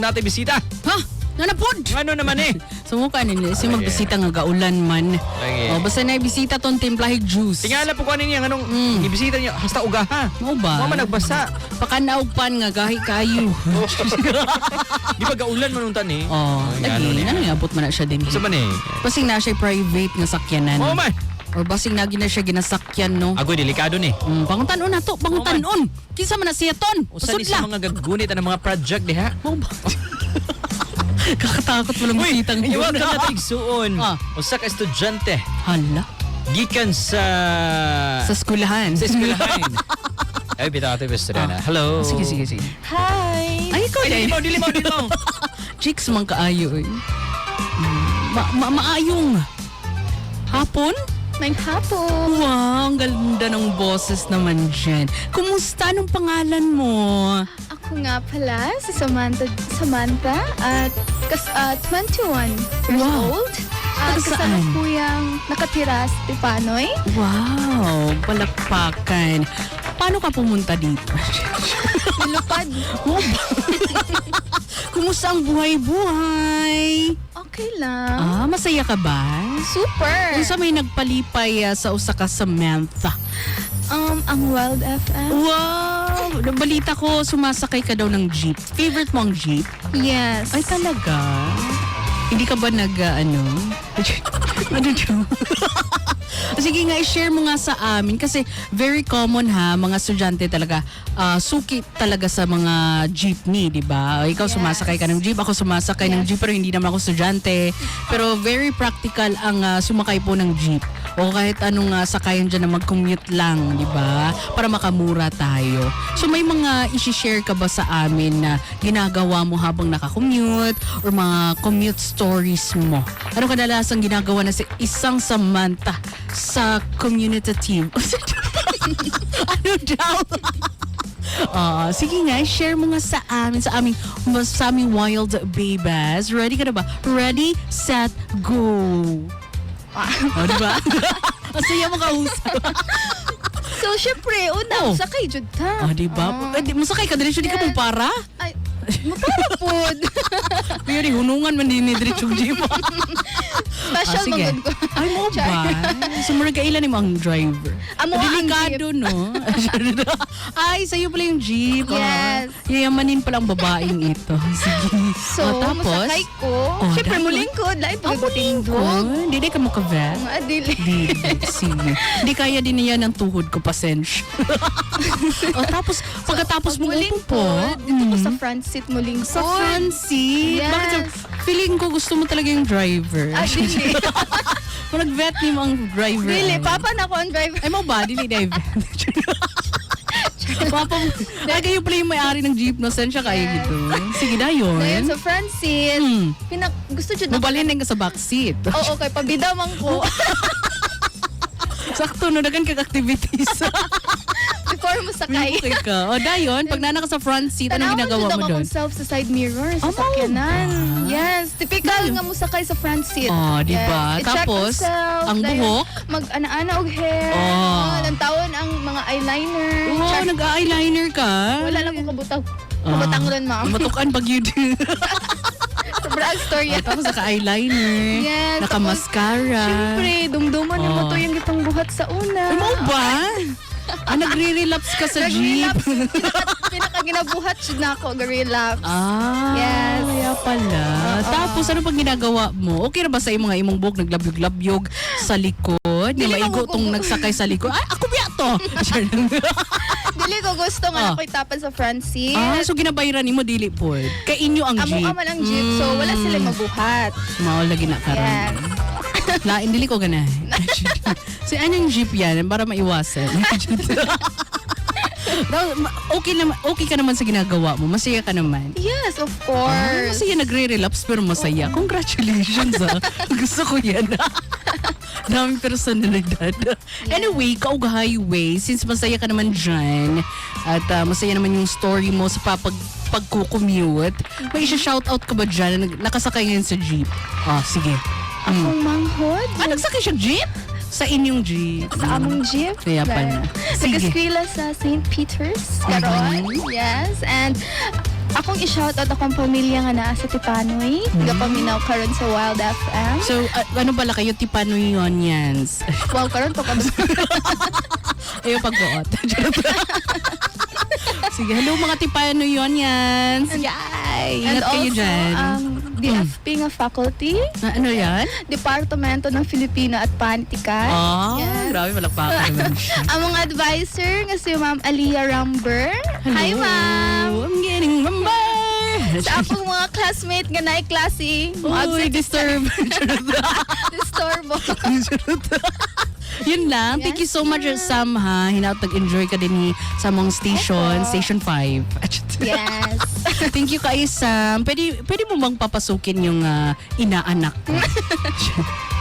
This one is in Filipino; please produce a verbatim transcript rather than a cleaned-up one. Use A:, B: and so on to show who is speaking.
A: natin bisita.
B: Ha? Nanapod!
A: Ano naman eh?
B: Sumuka nila. Si magbisita nga gaulan man.
A: Lagi.
B: O, basta na bisita ton timplahig juice.
A: Tingala po ko ano niya, anong
B: Mm.
A: ibisita niya, hasta uga ha.
B: Mo ba?
A: Mama nagbasa.
B: Pakanaog pan nga gahi kayo.
A: Di ba gaulan manuntan eh?
B: Oh,
A: Ay,
B: lagi.
A: ano niya?
B: Ano nga, abot man na siya din.
A: Sa man eh?
B: Basing na siya private nga sakyanan.
A: Oo man.
B: Or basing na na siya ginasakyan, no?
A: Agoy, delikado ni.
B: Mm, panguntanon na to, panguntanon. Kinsa man na siya ton.
A: Usa ni
B: Pasud
A: sa
B: la.
A: mga gagunit ng mga project di ha?
B: Mo ba? Kakatakot mo lang bisita
A: iwag
B: ngayon.
A: ka natin suon.
B: Ah.
A: Usa ka estudyante.
B: Hala.
A: Gikan sa...
B: Sa skulahan.
A: Sa eskwelahan. Ay, bitaw ito yung na. Hello.
B: Sige, sige, sige.
C: Hi!
B: Ay, ikaw
A: Ay,
B: din.
A: dili mo, dili mo, dili mo.
B: Chicks man kaayo eh. Mm, Ma ma maayong. Hapon?
C: May hapon!
B: Wow, ang ganda ng boses naman dyan. Kumusta? Anong pangalan mo?
C: Ako nga pala, si Samantha, Samantha at kas, uh, twenty-one years
B: Wow.
C: old. At
B: Taga
C: kasama
B: saan?
C: ko yung nakatira sa Tipanoy.
B: Wow, palakpakan. Paano ka pumunta dito?
C: Nilupad.
B: Oh, kumusta ang buhay-buhay?
C: Okay lang.
B: Ah, masaya ka ba?
C: Super!
B: Kung sa may nagpalipay ah, sa usa ka Samantha.
C: Um, ang Wild F M.
B: Wow! Balita ko, sumasakay ka daw ng jeep. Favorite mo ang jeep?
C: Yes.
B: Ay, talaga? Hindi ka ba nag, ah, ano? Ano yun? Sige nga, i-share mo nga sa amin kasi very common ha, mga estudyante talaga, ah, suki talaga sa mga jeepney, di ba? Ikaw
C: Yes.
B: sumasakay ka ng jeep, ako sumasakay ng
C: Yes.
B: jeep pero hindi naman ako estudyante. Pero very practical ang ah, sumakay po ng jeep. O kahit anong uh, sakayan dyan na mag-commute lang, di ba? Para makamura tayo. So may mga isi-share ka ba sa amin na ginagawa mo habang nakakommute or mga commute stories mo? Ano kadalasang ginagawa na si isang Samantha sa community team? Ano daw? Ah, sige nga, share mo nga sa amin, sa aming, sa aming wild babes. Ready ka na ba? Ready, set, go! O, diba? Ang saya mo kausap.
C: So, syempre, una,
B: Oh.
C: sakay jud ka.
B: Ah, diba?
C: Ah.
B: Eh, di, masakay ka, diretso di ka
C: Yes.
B: mong para?
C: Ay, matarapod.
B: Pero di, hunungan man din ni diretso jeep.
C: Special
B: sige.
C: magod ko.
B: Ay mo ba?
C: Char.
B: So, murag kailan mo ang driver?
C: Amo ang
B: Delikado, no? Ay, sa'yo pala yung jeep. Ah,
C: Yes.
B: yayamanin pala ang babaeng ito. Sige.
C: So,
B: Oh, tapos?
C: masakay ko.
B: Oh,
C: Syempre,
B: dapat.
C: mulingkod. Lain
B: Ah,
C: pagkatindog.
B: mulingkod. Hindi ka mo ka-vet.
C: Mga adili.
B: Di, sige. Hindi kaya din niya ng tuhod ko, pasensya. O tapos, pagkatapos mo upo po,
C: Dito ko
B: mm,
C: sa front seat mulingkod.
B: sa front seat.
C: Yes.
B: Bakit sa- feeling ko gusto mo talaga yung driver.
C: Ah, dili.
B: Kung nag-vet ni mo ang driver.
C: Dili,
B: ano?
C: papa na ko ang driver.
B: Ay mo ba? Dili na i-vet. Papa mo. Ay, kayo pala yung may-ari ng jeep, no? Saan siya kayo
C: Yes.
B: dito? Sige na yun.
C: Ngayon, sa front seat,
B: Hmm.
C: pinak gusto dyan
B: Mabalin din ka sa back seat.
C: Oo, okay. Pabida man ko.
B: Sakto, no? Dagan kag activities.
C: Before mo sakay.
B: Okay ka. O, dayon, pag nana ka sa front seat, anong ginagawa mo doon?
C: Tanawan self sa side mirror sa
B: Oh,
C: sakyanan.
B: ah.
C: Yes, typical nga mo sakay sa front seat.
B: Oh, di ba?
C: Yes. I-check
B: Tapos,
C: myself,
B: ang
C: dahil
B: buhok?
C: Mag-ana-ana og hair.
B: Oh.
C: Oh. Lantawan ang mga eyeliner.
B: Wow,
C: Check.
B: nag-eyeliner ka?
C: Wala lang ko kabutang.
B: Ah.
C: Kabutang ron, ma'am.
B: Matukan pag yun.
C: Sobrang story.
B: Oh, tapos naka-eyeliner.
C: Yes,
B: Naka-mascara.
C: Siyempre, dumduman yung
B: Oh.
C: mo to yung gitang buhat sa una.
B: Ay, mo ba? Ah, nagre-relapse ka sa jeep?
C: Nag-relapse. Pinaka, pinaka ginabuhat siya na ako, nag-relapse.
B: Ah,
C: Yes.
B: kaya pala. Tapos, ano pang ginagawa mo? Okay na ba sa imong mga imong buhok naglabyog-labyog sa likod? Di
C: Dili
B: maigo
C: ko-
B: tong nagsakay sa likod. Ay, ako biya to!
C: Dili ko gusto nga
B: Oh.
C: ako'y tapan sa front seat.
B: ah, so ginabayaran ni mo dili po. Kay inyo ang
C: Amo
B: jeep.
C: aman ang jeep, so wala sila
B: Mm.
C: mabuhat.
B: Mao lagi na karon.
C: Yes.
B: Lain dili ko gana. Si anong jeep yan para maiwasan. Daw, ma- okay naman okay ka naman sa ginagawa mo. Masaya ka naman.
C: Yes, of
B: Ah,
C: course.
B: masaya nagre-relapse pero masaya. Congratulations ah. Gusto ko yan. Daming personalidad. Anyway, Kaug Highway, since masaya ka naman dyan, at ah, masaya naman yung story mo sa papag pagkukommute, may isa-shoutout ka ba dyan na nag- nakasakay ngayon sa jeep? Ah, sige. Mm.
C: Akong manghod.
B: Ah, nagsakay siya jeep? Sa inyong jeep.
C: Sa among jeep.
B: Kaya pala. Sige.
C: Nag-eskwela sa Saint Peter's.
B: Mhm.
C: Karon. Yes. And Akong i-shoutout akong pamilya nga naa sa Tipanoy. Gapaminaw karon sa Wild F M.
B: So, uh, ano pala kayo, Tipanoyonians?
C: Wow, karon pa ka ba?
B: Ayaw pagbuot. Sige, hello mga Tipanoyonians. Yay!
C: And
B: Ingat kayo
C: also,
B: dyan.
C: ang D F P nga faculty,
B: Ah, ano yan?
C: Departamento ng Filipino at Panitikan.
B: Ah,
C: Yes.
B: grabe, malakpakan naman siya.
C: Ang mga advisor nga si Ma'am Aliyah Ramber. Hi, Ma'am!
B: I'm getting number!
C: Sa akong mga classmate nga na klase.
B: Uy, disturb.
C: Disturbo.
B: Yun lang. Thank you so much, Sam, ha. Hinaut nag-enjoy ka din ni sa mong station,
C: Opo.
B: Station five.
C: Yes.
B: Thank you kay Sam. Pwede, pwede mo bang papasukin yung ah, inaanak ko?